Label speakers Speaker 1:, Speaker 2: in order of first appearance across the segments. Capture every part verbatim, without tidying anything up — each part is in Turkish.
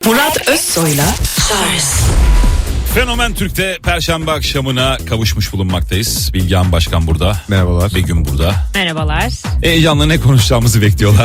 Speaker 1: Murat Özsoy'la Charles.
Speaker 2: Fenomen Türk'te Perşembe akşamına kavuşmuş bulunmaktayız. Bilgehan Başkan burada.
Speaker 3: Merhabalar.
Speaker 2: Begüm burada.
Speaker 4: Merhabalar.
Speaker 2: Heyecanla ne konuşacağımızı bekliyorlar.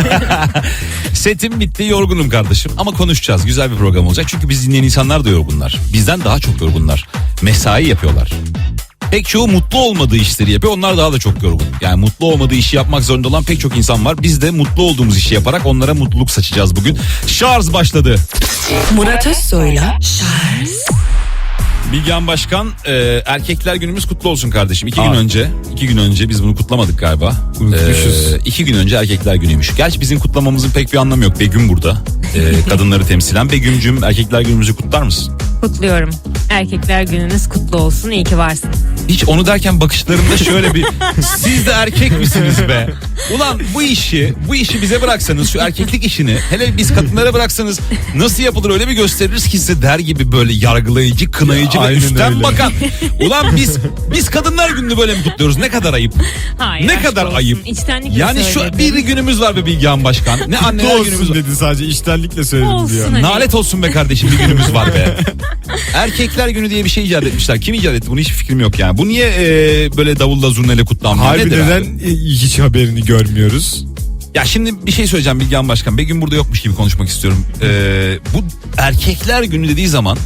Speaker 2: Setim bitti, yorgunum kardeşim. Ama konuşacağız. Güzel bir program olacak. Çünkü biz dinleyen insanlar da yorgunlar. Bizden daha çok yorgunlar. Mesai yapıyorlar. Pek çoğu mutlu olmadığı işleri yapıyor. Onlar daha da çok yorgun. Yani mutlu olmadığı işi yapmak zorunda olan pek çok insan var. Biz de mutlu olduğumuz işi yaparak onlara mutluluk saçacağız bugün. Şarj başladı.
Speaker 1: Murat Özsoy'la Charles.
Speaker 2: Bilgehan Başkan, e, erkekler günümüz kutlu olsun kardeşim. İki
Speaker 3: Aa.
Speaker 2: gün önce, iki gün önce biz bunu kutlamadık galiba.
Speaker 3: Unutmuşuz.
Speaker 2: E, iki gün önce erkekler günüymüş. Gerçi bizim kutlamamızın pek bir anlamı yok. Begüm burada. E, kadınları temsilen. Begüm'cüm, erkekler günümüzü kutlar mısın?
Speaker 4: Kutluyorum. Erkekler gününüz kutlu olsun. İyi ki varsın.
Speaker 2: Hiç onu derken bakışlarımda şöyle bir siz de erkek misiniz be? Ulan bu işi bu işi bize bıraksanız, şu erkeklik işini hele biz kadınlara bıraksanız nasıl yapılır öyle bir gösteririz ki size der gibi böyle yargılayıcı, kınayıcı
Speaker 3: Ya,
Speaker 2: ve
Speaker 3: aynen
Speaker 2: üstten
Speaker 3: öyle.
Speaker 2: bakan. Ulan biz biz kadınlar gününü böyle mi kutluyoruz? Ne kadar ayıp.
Speaker 4: Hayır,
Speaker 2: Ne
Speaker 4: aşk
Speaker 2: kadar
Speaker 4: olsun.
Speaker 2: ayıp.
Speaker 4: İçtenlikle
Speaker 2: Yani şu
Speaker 4: söyledim.
Speaker 2: bir günümüz var be Bilgehan Başkan. Ne anneler
Speaker 3: Kutlu
Speaker 2: günümüz
Speaker 3: olsun
Speaker 2: var.
Speaker 3: dedi, sadece içtenlikle söyledim
Speaker 4: Olsun
Speaker 3: diyor.
Speaker 4: hadi.
Speaker 2: Nalet olsun be kardeşim, bir günümüz var be. Erkekler günü diye bir şey icat etmişler. Kim icat etti? Bunu hiç fikrim yok yani. Bu niye e, böyle davulla zurnayla kutlanmıyor?
Speaker 3: Harbi
Speaker 2: Nedir
Speaker 3: neden
Speaker 2: abi?
Speaker 3: e, hiç haberini görmüyoruz?
Speaker 2: Ya şimdi bir şey söyleyeceğim Bilgehan Başkan. Begüm burada yokmuş gibi konuşmak istiyorum. Ee, bu erkekler günü dediği zaman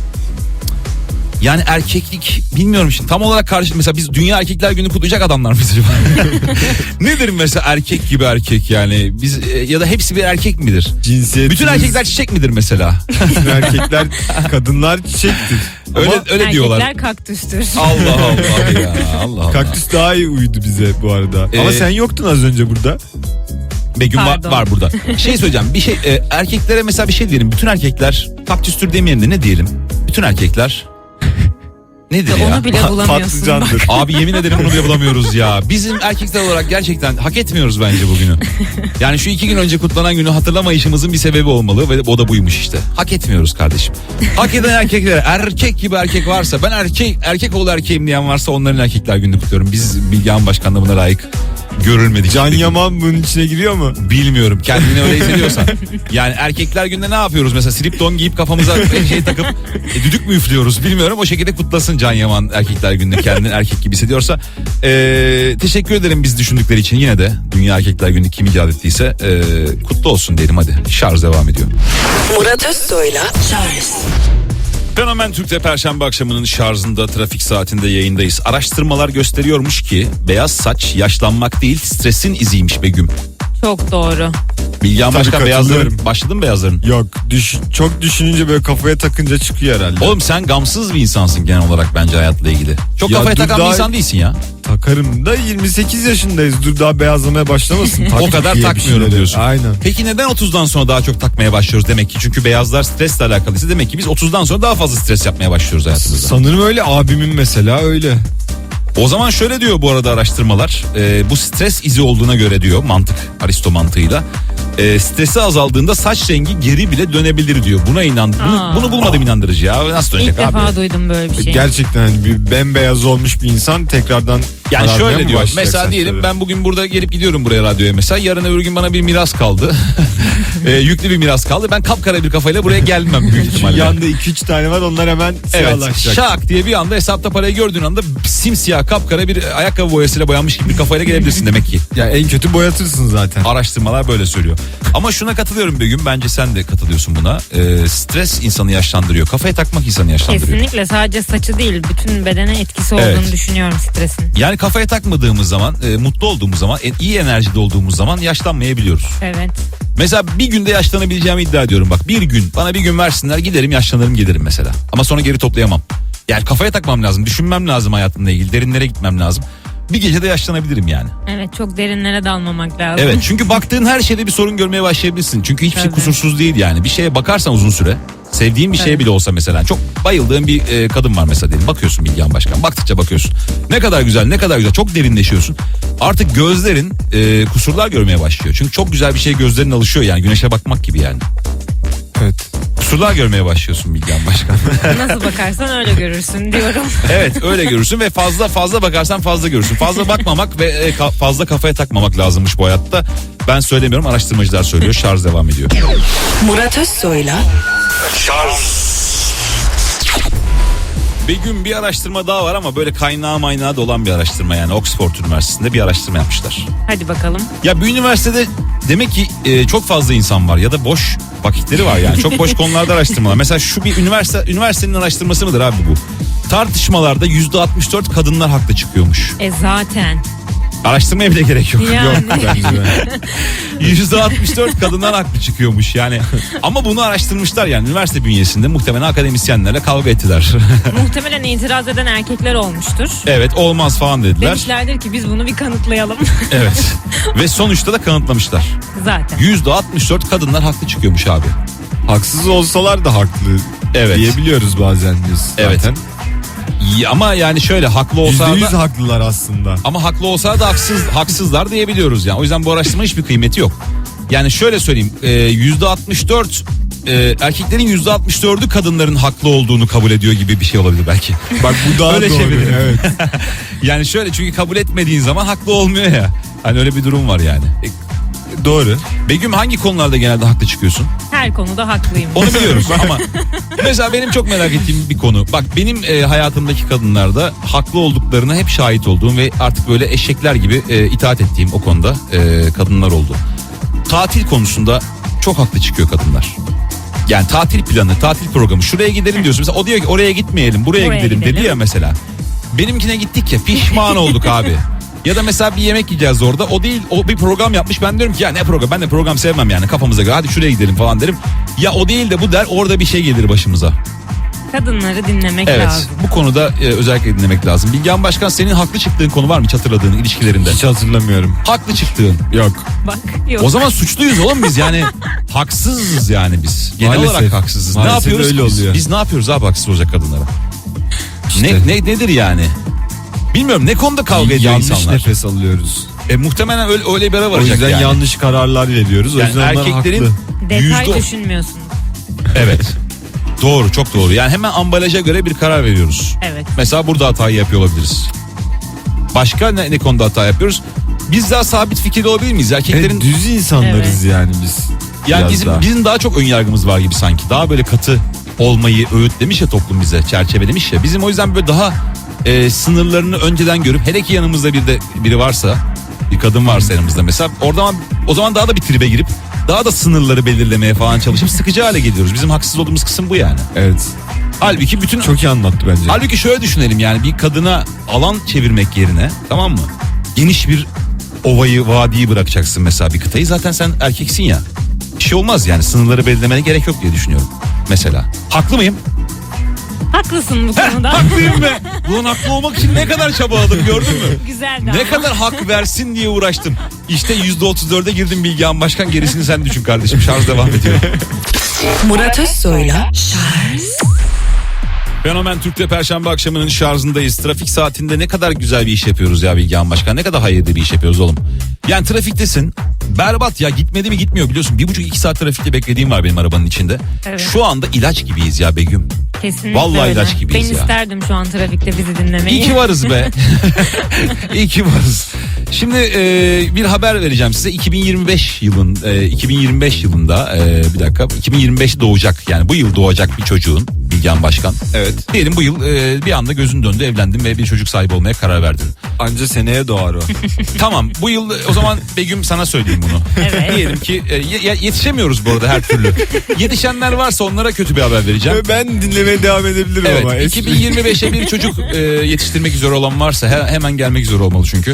Speaker 2: yani erkeklik bilmiyorum şimdi tam olarak karşı, mesela biz dünya erkekler günü kutlayacak adamlar mıyız acaba? Nedir mesela erkek gibi erkek yani biz e, ya da hepsi bir erkek midir?
Speaker 3: Cinsiyetimiz,
Speaker 2: Bütün erkekler çiçek midir mesela?
Speaker 3: bütün erkekler, kadınlar çiçektir.
Speaker 2: Öyle
Speaker 3: Ama
Speaker 2: öyle diyorlar.
Speaker 4: Erkekler kaktüstür.
Speaker 2: Allah Allah ya Allah Allah.
Speaker 3: kaktüs daha iyi uydu bize bu arada.
Speaker 2: Ee,
Speaker 3: Ama sen yoktun az önce burada.
Speaker 2: Begüm var,
Speaker 4: Pardon.
Speaker 2: var burada. Şey söyleyeceğim. Bir şey e, erkeklere mesela bir şey diyelim. Bütün erkekler kaktüstür demeyelim de ne diyelim? Bütün erkekler nedir ya?
Speaker 4: Onu bile bulamıyorsun.
Speaker 3: Patlıcandır.
Speaker 2: Abi yemin ederim bunu bile bulamıyoruz ya. Bizim erkekler olarak gerçekten hak etmiyoruz bence bugünü. Yani şu iki gün önce kutlanan günü hatırlamayışımızın bir sebebi olmalı ve o da buymuş işte. Hak etmiyoruz kardeşim. Hak eden erkekler, erkek gibi erkek varsa, ben erkek erkek oğlu erkeğim diyen varsa onların erkekler gününü kutluyorum. Biz Bilgehan Başkan'la buna layık görülmedik.
Speaker 3: Can Yaman bunun içine giriyor mu?
Speaker 2: Bilmiyorum, kendini öyle hissediyorsan. Yani erkekler günde ne yapıyoruz mesela, slip don giyip kafamıza şey takıp e, düdük mü üflüyoruz bilmiyorum, o şekilde kutlasın Can Yaman erkekler gününde kendini erkek gibi hissediyorsa. E, teşekkür ederim biz düşündükleri için. Yine de Dünya Erkekler Günü kim icat ettiyse e, kutlu olsun diyelim. Hadi şarj devam ediyor.
Speaker 1: Murat Özsoy'la Charles.
Speaker 2: Fenomen Türk'te Perşembe akşamının şarjında, trafik saatinde yayındayız. Araştırmalar gösteriyormuş ki beyaz saç yaşlanmak değil, stresin iziymiş Begüm.
Speaker 4: Çok doğru.
Speaker 2: Bilgehan
Speaker 3: Tabii,
Speaker 2: Başkan,
Speaker 3: katılıyorum.
Speaker 2: beyazların başladı mı beyazların?
Speaker 3: Yok, düş, çok düşününce böyle kafaya takınca çıkıyor herhalde.
Speaker 2: Oğlum sen gamsız bir insansın genel olarak bence hayatla ilgili. Çok
Speaker 3: Ya
Speaker 2: kafaya
Speaker 3: dur
Speaker 2: takan bir
Speaker 3: daha-
Speaker 2: insan değilsin ya.
Speaker 3: Takarım da yirmi sekiz yaşındayız. Dur daha beyazlamaya başlamasın.
Speaker 2: O
Speaker 3: Taktık
Speaker 2: kadar
Speaker 3: diye bir
Speaker 2: takmıyorum
Speaker 3: şeyleri.
Speaker 2: diyorsun.
Speaker 3: Aynen.
Speaker 2: Peki neden otuzdan sonra daha çok takmaya başlıyoruz demek ki? Çünkü beyazlar stresle alakalıysa demek ki biz otuzdan sonra daha fazla stres yapmaya başlıyoruz hayatımızda.
Speaker 3: Sanırım öyle, abimin mesela öyle.
Speaker 2: O zaman şöyle diyor bu arada araştırmalar. E, bu stres izi olduğuna göre diyor, mantık, Aristo mantığıyla. E, stresi azaldığında saç rengi geri bile dönebilir diyor. Buna inan. Bunu,
Speaker 4: Aa.
Speaker 2: bunu bulmadım inandırıcı ya. Nasıl
Speaker 4: İlk
Speaker 2: dönecek abi?
Speaker 4: defa duydum böyle bir şey.
Speaker 3: Gerçekten hani bir bembeyaz olmuş bir insan tekrardan
Speaker 2: Yani
Speaker 3: kararmaya
Speaker 2: şöyle
Speaker 3: mı
Speaker 2: diyor.
Speaker 3: başlayacak
Speaker 2: Mesela diyelim
Speaker 3: saçları?
Speaker 2: ben bugün burada gelip gidiyorum buraya, radyoya mesela. Yarın öbür gün bana bir miras kaldı. e, yüklü bir miras kaldı. Ben kapkara bir kafayla buraya gelmem büyük
Speaker 3: Şu
Speaker 2: ihtimalle.
Speaker 3: yanda iki üç tane var, onlar hemen
Speaker 2: Evet,
Speaker 3: siyahlaşacak.
Speaker 2: şak diye bir anda hesapta parayı gördüğün anda simsiyah kapkara bir ayakkabı boyasıyla boyanmış gibi bir kafayla gelebilirsin demek ki.
Speaker 3: Ya en kötü boyatırsın zaten.
Speaker 2: Araştırmalar böyle söylüyor. Ama şuna katılıyorum Begüm, bence sen de katılıyorsun buna. Ee, stres insanı yaşlandırıyor. Kafaya takmak insanı yaşlandırıyor.
Speaker 4: Kesinlikle, sadece saçı değil bütün bedene etkisi olduğunu
Speaker 2: Evet.
Speaker 4: düşünüyorum stresin.
Speaker 2: Yani kafaya takmadığımız zaman, e, mutlu olduğumuz zaman, e, iyi enerjide olduğumuz zaman yaşlanmayabiliyoruz.
Speaker 4: Evet.
Speaker 2: Mesela bir günde yaşlanabileceğimi iddia ediyorum bak. Bir gün, bana bir gün versinler, giderim yaşlanırım gelirim mesela. Ama sonra geri toplayamam. Yani kafaya takmam lazım, düşünmem lazım hayatımla ilgili, derinlere gitmem lazım. Bir gecede yaşlanabilirim yani.
Speaker 4: Evet, çok derinlere dalmamak lazım.
Speaker 2: Evet, çünkü baktığın her şeyde bir sorun görmeye başlayabilirsin. Çünkü hiçbir şey
Speaker 4: Tabii.
Speaker 2: kusursuz değil yani. Bir şeye bakarsan uzun süre, sevdiğin bir şeye
Speaker 4: Tabii.
Speaker 2: bile olsa mesela, çok bayıldığın bir e, kadın var mesela diyelim. Bakıyorsun Bilgehan Başkan, baktıkça bakıyorsun. Ne kadar güzel, ne kadar güzel, çok derinleşiyorsun. Artık gözlerin e, kusurlar görmeye başlıyor. Çünkü çok güzel bir şey gözlerin alışıyor yani, güneşe bakmak gibi yani.
Speaker 3: Evet.
Speaker 2: Kusurlar görmeye başlıyorsun Bilgehan Başkan.
Speaker 4: Nasıl bakarsan öyle görürsün diyorum.
Speaker 2: Evet, öyle görürsün ve fazla fazla bakarsan fazla görürsün. Fazla bakmamak ve e, ka- fazla kafaya takmamak lazımmış bu hayatta. Ben söylemiyorum, araştırmacılar söylüyor. Şarj devam ediyor.
Speaker 1: Murat Özsoy'la
Speaker 2: Begüm, bir araştırma daha var ama böyle kaynağı maynağı da olan bir araştırma, yani Oxford Üniversitesi'nde bir araştırma yapmışlar.
Speaker 4: Hadi bakalım.
Speaker 2: Ya bir üniversitede demek ki e, çok fazla insan var ya da boş vakitleri var, yani çok boş konularda araştırmalar. Mesela şu bir üniversite üniversitenin araştırması mıdır abi bu? Tartışmalarda yüzde altmış dört kadınlar haklı çıkıyormuş.
Speaker 4: E zaten.
Speaker 2: Araştırmaya bile gerek yok.
Speaker 4: Yani.
Speaker 2: Yok bence de. yüzde altmış dört kadınlar haklı çıkıyormuş yani. Ama bunu araştırmışlar, yani üniversite bünyesinde muhtemelen akademisyenlerle kavga ettiler.
Speaker 4: Muhtemelen itiraz eden erkekler olmuştur.
Speaker 2: Evet, olmaz falan dediler.
Speaker 4: Demişlerdir ki biz bunu bir kanıtlayalım.
Speaker 2: Evet. Ve sonuçta da kanıtlamışlar.
Speaker 4: Zaten.
Speaker 2: yüzde altmış dört kadınlar haklı çıkıyormuş abi.
Speaker 3: Haksız olsalar da haklı
Speaker 2: Evet.
Speaker 3: diyebiliyoruz bazen biz
Speaker 2: Evet.
Speaker 3: zaten.
Speaker 2: İyi, ama yani şöyle haklı
Speaker 3: Yüzde
Speaker 2: olsa
Speaker 3: yüz
Speaker 2: da
Speaker 3: haklılar aslında.
Speaker 2: ama haklı olsa da haksız haksızlar diyebiliyoruz yani. O yüzden bu araştırmanın hiçbir kıymeti yok. Yani şöyle söyleyeyim, e, yüzde altmış dört e, erkeklerin yüzde altmış dördü kadınların haklı olduğunu kabul ediyor gibi bir şey olabilir belki.
Speaker 3: Bak bu daha
Speaker 2: Öyle
Speaker 3: doğru.
Speaker 2: çevirelim.
Speaker 3: Evet.
Speaker 2: Yani şöyle, çünkü kabul etmediğin zaman haklı olmuyor ya. Hani öyle bir durum var yani.
Speaker 3: Doğru.
Speaker 2: Begüm, hangi konularda genelde haklı çıkıyorsun?
Speaker 4: Her konuda haklıyım.
Speaker 2: Onu biliyoruz ama mesela benim çok merak ettiğim bir konu. Bak, benim e, hayatımdaki kadınlarda haklı olduklarına hep şahit olduğum ve artık böyle eşekler gibi e, itaat ettiğim o konuda e, kadınlar oldu. Tatil konusunda çok haklı çıkıyor kadınlar. Yani tatil planı, tatil programı, şuraya gidelim diyorsun. Mesela o diyor ki oraya gitmeyelim, buraya,
Speaker 4: Buraya
Speaker 2: gidelim,
Speaker 4: gidelim.
Speaker 2: dedi ya mesela. Benimkine gittik ya, pişman olduk abi. Ya da mesela bir yemek yiyeceğiz orada. O değil, o bir program yapmış. Ben diyorum ki ya ne program? Ben de program sevmem yani, kafamıza göre. Hadi şuraya gidelim falan derim. Ya o değil de bu der, orada bir şey gelir başımıza.
Speaker 4: Kadınları dinlemek
Speaker 2: Evet,
Speaker 4: lazım.
Speaker 2: bu konuda e, özellikle dinlemek lazım. Bilgehan Başkan, senin haklı çıktığın konu var mı hiç hatırladığın ilişkilerinde?
Speaker 3: Hiç hatırlamıyorum.
Speaker 2: Haklı çıktığın.
Speaker 3: Yok.
Speaker 4: Bak yok.
Speaker 2: O zaman suçluyuz oğlum biz, yani haksızız yani biz. Genel
Speaker 3: Maalesef.
Speaker 2: olarak haksızız.
Speaker 3: Maalesef
Speaker 2: ne yapıyoruz
Speaker 3: öyle
Speaker 2: ki biz?
Speaker 3: oluyor.
Speaker 2: Biz ne yapıyoruz abi haksız olacak kadınlara?
Speaker 3: İşte.
Speaker 2: Ne, ne nedir yani? Bilmiyorum, ne konuda kavga ediyor
Speaker 3: Yanlış
Speaker 2: insanlar?
Speaker 3: nefes alıyoruz.
Speaker 2: E, muhtemelen öyle, öyle bir ara
Speaker 3: O
Speaker 2: varacak
Speaker 3: yüzden
Speaker 2: yani.
Speaker 3: yanlış kararlar veriyoruz. O
Speaker 2: Yani
Speaker 3: yüzden onlar
Speaker 2: erkeklerin
Speaker 3: haklı.
Speaker 4: Detay
Speaker 2: yüzde-
Speaker 4: düşünmüyorsunuz.
Speaker 2: Evet. Doğru, çok doğru. Yani hemen ambalaja göre bir karar veriyoruz.
Speaker 4: Evet.
Speaker 2: Mesela burada hatayı yapıyor olabiliriz. Başka ne, ne konuda hata yapıyoruz? Biz daha sabit fikirli olabilir miyiz? Erkeklerin
Speaker 3: Evet, düz insanlarız yani biz.
Speaker 2: yani
Speaker 3: Biraz
Speaker 2: bizim
Speaker 3: daha.
Speaker 2: bizim daha çok ön yargımız var gibi sanki. Daha böyle katı olmayı öğütlemiş ya toplum bize, çerçevelemiş ya. Bizim o yüzden böyle daha e, sınırlarını önceden görüp, hele ki yanımızda bir de biri varsa, bir kadın varsa yanımızda mesela, oradan o zaman daha da bir tribe girip daha da sınırları belirlemeye falan çalışıp sıkıcı hale geliyoruz. Bizim haksız olduğumuz kısım bu yani.
Speaker 3: Evet.
Speaker 2: Halbuki bütün
Speaker 3: Çok iyi anlattı bence.
Speaker 2: Halbuki şöyle düşünelim, yani bir kadına alan çevirmek yerine, tamam mı? Geniş bir ovayı, vadiyi bırakacaksın mesela, bir kıtayı. Zaten sen erkeksin ya. Bir şey olmaz yani, sınırları belirlemene gerek yok diye düşünüyorum. Mesela. Haklı mıyım?
Speaker 4: Haklısın bu konuda.
Speaker 2: Haklıyım be. Ulan haklı olmak için ne kadar çabaladım, gördün mü?
Speaker 4: Güzeldi
Speaker 2: Ne
Speaker 4: ama.
Speaker 2: kadar hak versin diye uğraştım. İşte yüzde otuz dörde girdim Bilgehan Başkan, gerisini sen düşün kardeşim. Şarj devam ediyor.
Speaker 1: Murat Özsoy'la Şarj.
Speaker 2: Fenomen Türk'te Perşembe akşamının şarjındayız. Trafik saatinde ne kadar güzel bir iş yapıyoruz ya Bilgehan Başkan. Ne kadar hayırlı bir iş yapıyoruz oğlum. Yani trafiktesin. Berbat ya, gitmedi mi gitmiyor biliyorsun. Bir buçuk iki saat trafikte beklediğim var benim arabanın içinde.
Speaker 4: Evet.
Speaker 2: Şu anda ilaç gibiyiz ya Begüm.
Speaker 4: Kesinlikle
Speaker 2: Vallahi
Speaker 4: öyle.
Speaker 2: ilaç gibiyiz
Speaker 4: Ben
Speaker 2: ya.
Speaker 4: isterdim şu an trafikte bizi dinlemeyi.
Speaker 2: İyi ki varız be. İyi ki varız. Şimdi e, bir haber vereceğim size. iki bin yirmi beş yılın e, iki bin yirmi beş yılında e, bir dakika iki bin yirmi beş doğacak, yani bu yıl doğacak bir çocuğun, Bilgehan Başkan.
Speaker 3: Evet.
Speaker 2: Diyelim bu yıl e, bir anda gözün döndü, evlendin ve bir çocuk sahibi olmaya karar verdin.
Speaker 3: Anca seneye doğar o.
Speaker 2: Tamam, bu yıl o zaman Begüm sana söyleyeyim bunu.
Speaker 4: Evet.
Speaker 2: Diyelim ki e, ye- yetişemiyoruz bu arada her türlü. Yetişenler varsa onlara kötü bir haber vereceğim.
Speaker 3: Ben dinlemeye devam edebilirim ama.
Speaker 2: Evet, iki bin yirmi beşe bir çocuk e, yetiştirmek üzere olan varsa he- hemen gelmek üzere olmalı çünkü.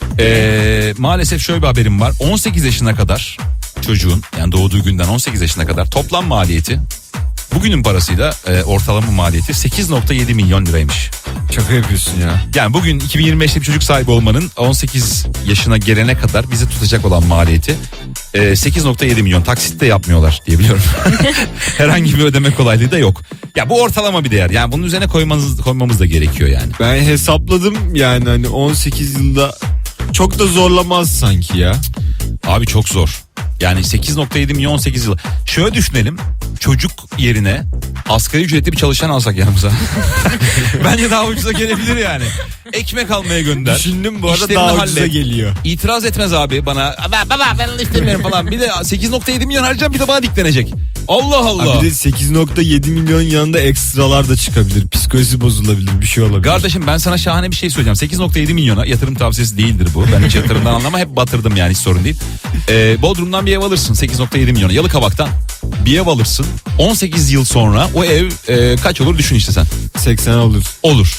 Speaker 2: E, maalesef şöyle bir haberim var. on sekiz yaşına kadar çocuğun, yani doğduğu günden on sekiz yaşına kadar toplam maliyeti, bugünün parasıyla e, ortalama maliyeti sekiz nokta yedi milyon liraymış.
Speaker 3: Şaka yapıyorsun ya.
Speaker 2: Yani bugün iki bin yirmi beşte bir çocuk sahibi olmanın on sekiz yaşına gelene kadar bizi tutacak olan maliyeti e, sekiz nokta yedi milyon. Taksit de yapmıyorlar diye biliyorum. Herhangi bir ödeme kolaylığı da yok. Ya bu ortalama bir değer. Yani bunun üzerine koymamız, koymamız da gerekiyor yani.
Speaker 3: Ben hesapladım yani hani on sekiz yılda çok da zorlamaz sanki ya.
Speaker 2: Abi çok zor. Yani sekiz nokta yedi milyon on sekiz yıl. Şöyle düşünelim. Çocuk yerine asgari ücretli bir çalışan alsak yanımıza. Bence daha ucuza gelebilir yani. Ekmek almaya gönder.
Speaker 3: Düşündüm bu arada
Speaker 2: İşlerini
Speaker 3: daha ucuza
Speaker 2: hallet.
Speaker 3: geliyor.
Speaker 2: İtiraz etmez abi bana. Baba, baba ben istemiyorum falan. Bir de sekiz nokta yedi milyon harcayacağım, bir de bana diklenecek. Allah Allah.
Speaker 3: Ha, bir de sekiz nokta yedi milyon yanında ekstralar da çıkabilir. Psikolojisi bozulabilir, bir şey olabilir.
Speaker 2: Kardeşim ben sana şahane bir şey söyleyeceğim. sekiz nokta yedi milyona yatırım tavsiyesi değildir bu. Ben hiç yatırımdan anlamam. Hep batırdım yani, hiç sorun değil. Ee, Bodrum'dan bir ev alırsın sekiz nokta yedi milyona. Yalıkavak'tan bir ev alırsın. on sekiz yıl sonra o ev e, kaç olur düşün işte sen.
Speaker 3: seksen olur.
Speaker 2: Olur.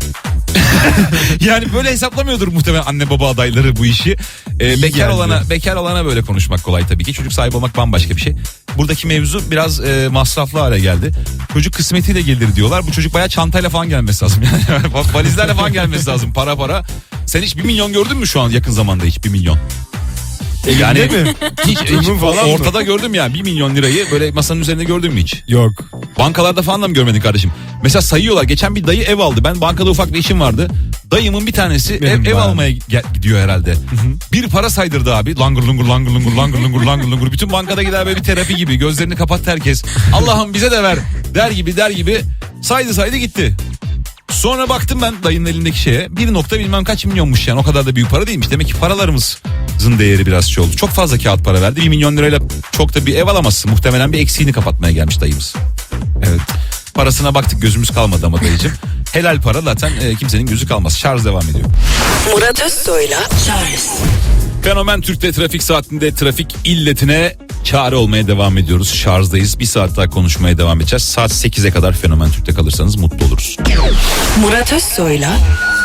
Speaker 2: Yani böyle hesaplamıyordur muhtemelen anne baba adayları bu işi. Ee, bekar
Speaker 3: geldi.
Speaker 2: olana bekar olana böyle konuşmak kolay tabii ki. Çocuk sahibi olmak bambaşka bir şey. Buradaki mevzu biraz e, masraflı hale geldi. Çocuk kısmetiyle gelir diyorlar. Bu çocuk bayağı çantayla falan gelmesi lazım. Yani valizlerle falan gelmesi lazım. Para para. Sen hiç bir milyon gördün mü şu an yakın zamanda, hiç bir milyon? Yani
Speaker 3: mi?
Speaker 2: hiç, hiç
Speaker 3: Tuttuğumun falan mı?
Speaker 2: ortada gördüm ya bir milyon lirayı böyle masanın üzerinde gördün mü hiç?
Speaker 3: Yok.
Speaker 2: Bankalarda falan da mı görmedin kardeşim? Mesela sayıyorlar. Geçen bir dayı ev aldı. Ben bankada ufak bir işim vardı. Dayımın bir tanesi
Speaker 3: Benim
Speaker 2: ev, ev
Speaker 3: var.
Speaker 2: almaya gel- gidiyor herhalde. Bir para saydırdı abi. Langır lungur langır lungur langır lungur langır lungur. Bütün bankada gider böyle bir terapi gibi. Gözlerini kapattı herkes. Allah'ım bize de ver der gibi der gibi. Saydı saydı gitti. Sonra baktım ben dayının elindeki şeye. Bir nokta bilmem kaç milyonmuş yani. O kadar da büyük para değilmiş. Demek ki paralarımızın değeri biraz şey oldu. Çok fazla kağıt para verdi. Bir milyon lirayla çok da bir ev alamazsın. Muhtemelen bir eksiğini kapatmaya gelmiş dayımız.
Speaker 3: Evet.
Speaker 2: Parasına baktık, gözümüz kalmadı ama dayıcım. Helal para zaten e, kimsenin gözü kalmaz. Şarj devam ediyor.
Speaker 1: Murat Özsoy'la Charles
Speaker 2: Fenomen Türk'te trafik saatinde trafik illetine çare olmaya devam ediyoruz. Şarjdayız. Bir saat daha konuşmaya devam edeceğiz. Saat sekize kadar Fenomen Türk'te kalırsanız mutlu oluruz.
Speaker 1: Murat Özsoy'la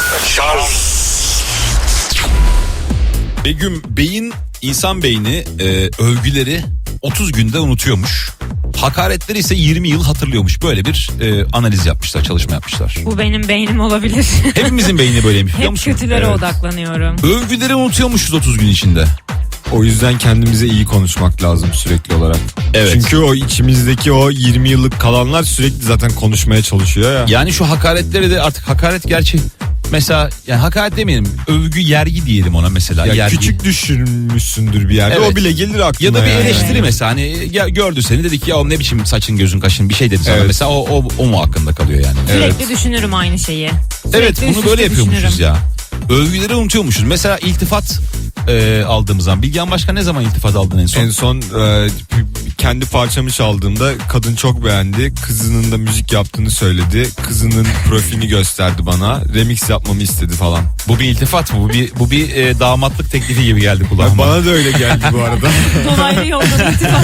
Speaker 2: Begüm, beyin, insan beyni e, övgüleri otuz günde unutuyormuş. Hakaretleri ise yirmi yıl hatırlıyormuş. Böyle bir e, analiz yapmışlar, çalışma yapmışlar.
Speaker 4: Bu benim beynim olabilir.
Speaker 2: Hepimizin beyni böyleymiş biliyor
Speaker 4: Hep
Speaker 2: musun?
Speaker 4: kötülere
Speaker 2: Evet.
Speaker 4: odaklanıyorum.
Speaker 2: Övgüleri unutuyormuşuz otuz gün içinde.
Speaker 3: O yüzden kendimize iyi konuşmak lazım sürekli olarak.
Speaker 2: Evet.
Speaker 3: Çünkü o içimizdeki o yirmi yıllık kalanlar sürekli zaten konuşmaya çalışıyor ya.
Speaker 2: Yani şu hakaretleri de artık hakaret gerçi mesela yani hakaret demeyelim, övgü yergi diyelim ona mesela.
Speaker 3: Ya
Speaker 2: yergi.
Speaker 3: küçük düşürmüşsündür bir yerde.
Speaker 2: Evet.
Speaker 3: O bile gelir aklına.
Speaker 2: Ya da bir
Speaker 3: yani.
Speaker 2: eleştiri mesela, hani ya gördü seni dedi ki ya ne biçim saçın gözün kaşın bir şey dedi sana
Speaker 3: Evet.
Speaker 2: mesela, o, o, o mu hakkında kalıyor yani.
Speaker 4: Sürekli düşünürüm aynı şeyi.
Speaker 2: Evet,
Speaker 4: Sürekli
Speaker 2: bunu
Speaker 4: üst
Speaker 2: böyle
Speaker 4: üste
Speaker 2: yapıyormuşuz
Speaker 4: düşünürüm.
Speaker 2: ya. Övgüleri unutuyormuşuz. Mesela iltifat e, aldığımız zaman. Bilgehan Başkan ne zaman iltifat aldın en son?
Speaker 3: En son e, kendi parçamı çaldığımda kadın çok beğendi. Kızının da müzik yaptığını söyledi. Kızının profilini gösterdi bana. Remix yapmamı istedi falan.
Speaker 2: Bu bir iltifat mı? Bu bir bu bir e, damatlık teklifi gibi geldi kulağıma.
Speaker 3: Bana da öyle geldi bu arada.
Speaker 4: Dolaylı yoldan iltifat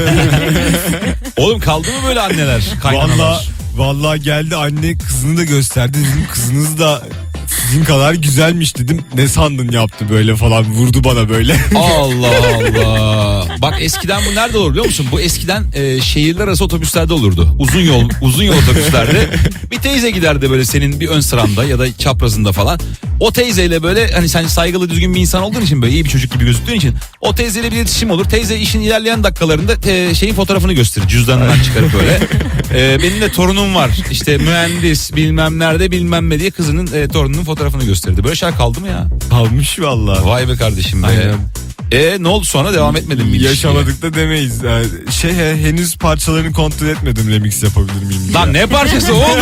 Speaker 2: Oğlum kaldı mı böyle anneler, kaynanalar?
Speaker 3: Vallahi vallahi geldi, anne kızını da gösterdi. Dedim kızınız da sizin kadar güzelmiş dedim. Ne sandın yaptı böyle falan, vurdu bana böyle.
Speaker 2: Allah Allah. Bak eskiden bu nerede olur biliyor musun? Bu eskiden e, şehirler arası otobüslerde olurdu. Uzun yol uzun yol otobüslerde. Bir teyze giderdi böyle senin bir ön sıranda ya da çaprazında falan. O teyzeyle böyle hani sen saygılı düzgün bir insan olduğun için, böyle iyi bir çocuk gibi gözüktüğün için o teyzeyle bir iletişim olur. Teyze işin ilerleyen dakikalarında te, şeyin fotoğrafını gösterir. Cüzdanından çıkarıp böyle. E, benim de torunum var. İşte mühendis bilmem nerede bilmem ne diye kızının e, torununun fotoğrafını gösterdi. Böyle şey kaldı mı ya?
Speaker 3: Kalmış vallahi.
Speaker 2: Vay be kardeşim be.
Speaker 3: Aynen.
Speaker 2: E ne oldu sonra, devam etmedin mi ilişkiye?
Speaker 3: Yaşamadık da demeyiz. Yani şey he, henüz parçalarını kontrol etmedim, remix yapabilir miyim diye.
Speaker 2: Lan ne parçası oğlum?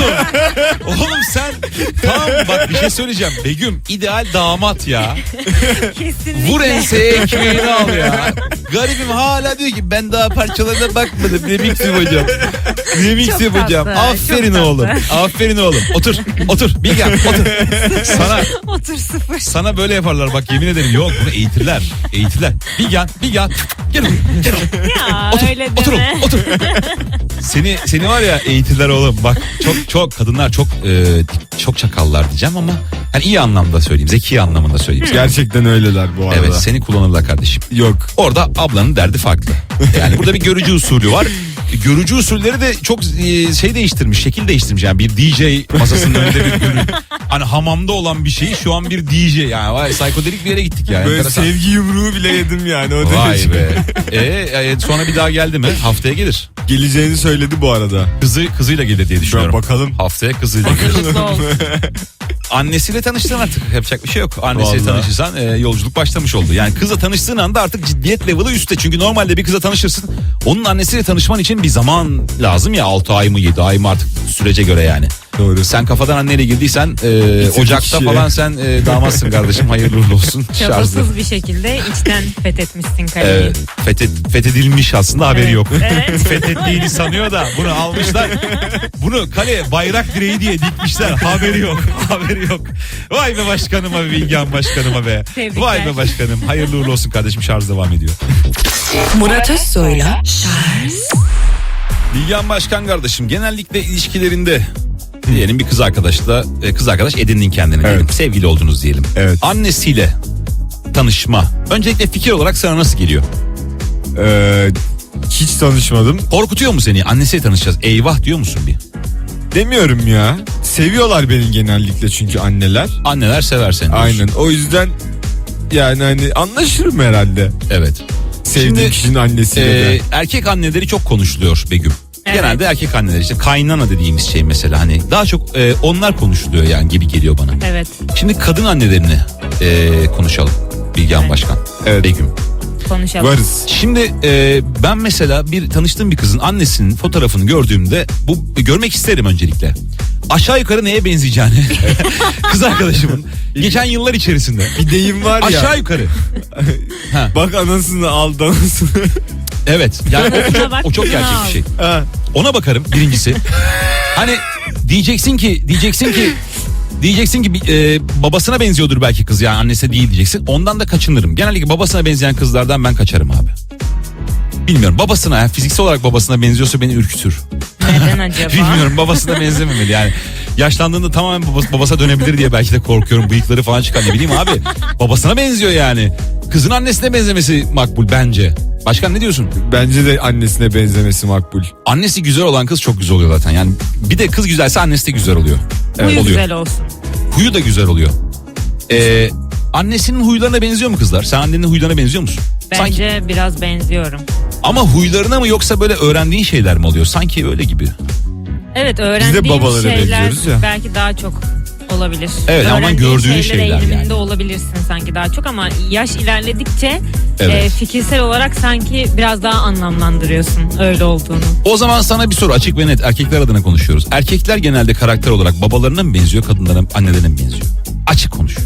Speaker 2: Oğlum sen tamam bak bir şey söyleyeceğim. Begüm ideal damat ya.
Speaker 4: Kesinlikle.
Speaker 2: Vur enseye ekmeğini al ya. Garibim hala diyor ki ben daha parçalarına bakmadım. Remix yapacağım. Remix
Speaker 4: Çok
Speaker 2: yapacağım.
Speaker 4: tatlı,
Speaker 2: Aferin
Speaker 4: çok
Speaker 2: oğlum.
Speaker 4: tatlı.
Speaker 2: Aferin oğlum. Otur. Otur. Bilgehan otur. Sana
Speaker 4: Otur sıfır.
Speaker 2: sana böyle yaparlar bak, yemin ederim. Yok bunu eğitirler. Eğitirler. Bilgehan. Bilgehan. Gel oğlum. Gel oğlum.
Speaker 4: Ya
Speaker 2: Otur,
Speaker 4: öyle
Speaker 2: otur,
Speaker 4: deme.
Speaker 2: oğlum, otur. Seni seni var ya eğitirler oğlum. Bak çok çok kadınlar çok e, çok çakallar diyeceğim ama hani iyi anlamda söyleyeyim, zeki anlamında söyleyeyim.
Speaker 3: Gerçekten öyleler bu arada.
Speaker 2: Evet, seni kullanırlar kardeşim.
Speaker 3: Yok.
Speaker 2: Orada ablanın derdi farklı. Yani burada bir görücü usulü var. Görücü usulleri de çok e, şey değiştirmiş, şekil değiştirmiş. Yani bir D J masasının önünde bir görü. Hani hamamda olan bir şeyi şu an bir D J. Yani vay psikodelik bir yere gittik yani.
Speaker 3: Böyle
Speaker 2: Enteresan.
Speaker 3: sevgi yumruğu bile yedim yani o
Speaker 2: Vay
Speaker 3: derece.
Speaker 2: be. E, e, sonra bir daha geldi mi? Haftaya gelir.
Speaker 3: Geleceğini söyledi bu arada.
Speaker 2: Kızı kızıyla gelir diye düşünüyorum.
Speaker 3: bakalım.
Speaker 2: Haftaya kızıyla gelir.
Speaker 4: Hazırlıklı ol.
Speaker 2: Annesiyle tanıştın artık, yapacak bir şey yok. Annesiyle
Speaker 3: Vallahi.
Speaker 2: tanışırsan e, yolculuk başlamış oldu. Yani kızla tanıştığın anda artık ciddiyet level'ı üstte. Çünkü normalde bir kızla tanışırsın. Onun annesiyle tanışman için bir zaman lazım ya, altı ay mı yedi ay mı artık sürece göre yani.
Speaker 3: Doğru.
Speaker 2: Sen kafadan anneyle girdiysen e, Ocak'ta
Speaker 3: işi.
Speaker 2: falan sen e, damatsın kardeşim. Hayırlı uğurlu olsun. Şarjlı.
Speaker 4: Çabasız bir şekilde içten fethetmişsin kaleyi.
Speaker 2: Evet, fethet, fethedilmiş aslında haberi
Speaker 4: Evet,
Speaker 2: yok.
Speaker 4: evet.
Speaker 2: Fethettiğini sanıyor da bunu almışlar. Bunu kale bayrak direği diye dikmişler. Haberi yok. Haberi yok. Vay be başkanıma be Bilgehan başkanıma be.
Speaker 4: Tebrikler.
Speaker 2: Vay be başkanım. Hayırlı uğurlu olsun kardeşim, şarj devam ediyor.
Speaker 1: Murat Özsoy'la Charles
Speaker 2: Bilgehan başkan kardeşim, genellikle ilişkilerinde diyelim bir kız arkadaşla e, kız arkadaş edindin kendine diyelim.
Speaker 3: Evet.
Speaker 2: Sevgili oldunuz diyelim.
Speaker 3: Evet.
Speaker 2: Annesiyle tanışma. Öncelikle fikir olarak sana nasıl geliyor?
Speaker 3: Ee, hiç tanışmadım.
Speaker 2: Korkutuyor mu seni? Annesiyle tanışacağız. Eyvah diyor musun bir?
Speaker 3: Demiyorum ya. Seviyorlar beni genellikle çünkü anneler.
Speaker 2: Anneler sever seni diyorsun.
Speaker 3: Aynen. O yüzden yani hani anlaşırım herhalde.
Speaker 2: Evet.
Speaker 3: Sevdiğim
Speaker 2: Şimdi,
Speaker 3: kişinin annesiyle
Speaker 2: Ee,
Speaker 3: de.
Speaker 2: erkek anneleri çok konuşuluyor Begüm.
Speaker 4: Evet.
Speaker 2: Genelde erkek anneleri, işte kaynana dediğimiz şey mesela, hani daha çok e, onlar konuşuluyor yani gibi geliyor bana.
Speaker 4: Evet,
Speaker 2: Şimdi kadın annelerini e, konuşalım Bilgehan
Speaker 4: Evet.
Speaker 2: Başkan.
Speaker 3: Evet.
Speaker 2: Begüm.
Speaker 4: konuşalım.
Speaker 3: Varız.
Speaker 2: Şimdi e, ben mesela bir tanıştığım bir kızın annesinin fotoğrafını gördüğümde bu görmek isterim öncelikle. Aşağı yukarı neye benzeyeceğini kız arkadaşımın geçen yıllar içerisinde.
Speaker 3: Bir deyim var ya.
Speaker 2: Aşağı yukarı. Ha,
Speaker 3: Bak anasını al anasını.
Speaker 2: evet. Yani o, o çok,
Speaker 4: Bak,
Speaker 2: o çok gerçek bir şey.
Speaker 3: Ha.
Speaker 2: Ona bakarım birincisi. Hani diyeceksin ki diyeceksin ki diyeceksin ki e, babasına benziyordur belki kız, yani annesi değil diyeceksin. Ondan da kaçınırım. Genellikle babasına benzeyen kızlardan ben kaçarım abi. Bilmiyorum, babasına, yani fiziksel olarak babasına benziyorsa beni ürkütür.
Speaker 4: Neden acaba?
Speaker 2: Bilmiyorum, babasına benzememeli yani. Yaşlandığında tamamen babası, babasına dönebilir diye belki de korkuyorum. Bıyıkları falan çıkar, ne bileyim abi. Babasına benziyor yani. Kızın annesine benzemesi makbul bence. Başkan ne diyorsun?
Speaker 3: Bence de annesine benzemesi makbul.
Speaker 2: Annesi güzel olan kız çok güzel oluyor zaten. Yani bir de kız güzelse annesi de güzel oluyor.
Speaker 4: Huyu
Speaker 2: oluyor.
Speaker 4: güzel olsun.
Speaker 2: Huyu da güzel oluyor. Ee, annesinin huylarına benziyor mu kızlar? Sen annenin huylarına benziyor musun?
Speaker 4: Bence
Speaker 2: Sanki,
Speaker 4: biraz benziyorum.
Speaker 2: ama huylarına mı yoksa böyle öğrendiğin şeyler mi oluyor? Sanki öyle gibi.
Speaker 4: Evet, öğrendiğim
Speaker 3: babalara
Speaker 4: şeyler
Speaker 3: benziyoruz ya.
Speaker 4: belki daha çok olabilir.
Speaker 2: Evet, ama
Speaker 4: Öğrendiğin
Speaker 2: gördüğün şeyler
Speaker 4: eğiliminde
Speaker 2: yani.
Speaker 4: olabilirsin sanki daha çok, ama yaş ilerledikçe
Speaker 2: Evet.
Speaker 4: e, fikirsel olarak sanki biraz daha anlamlandırıyorsun öyle olduğunu.
Speaker 2: O zaman sana bir soru, açık ve net, erkekler adına konuşuyoruz. Erkekler genelde karakter olarak babalarına mı benziyor, kadınlara mı, annelerine mi benziyor? Açık konuş.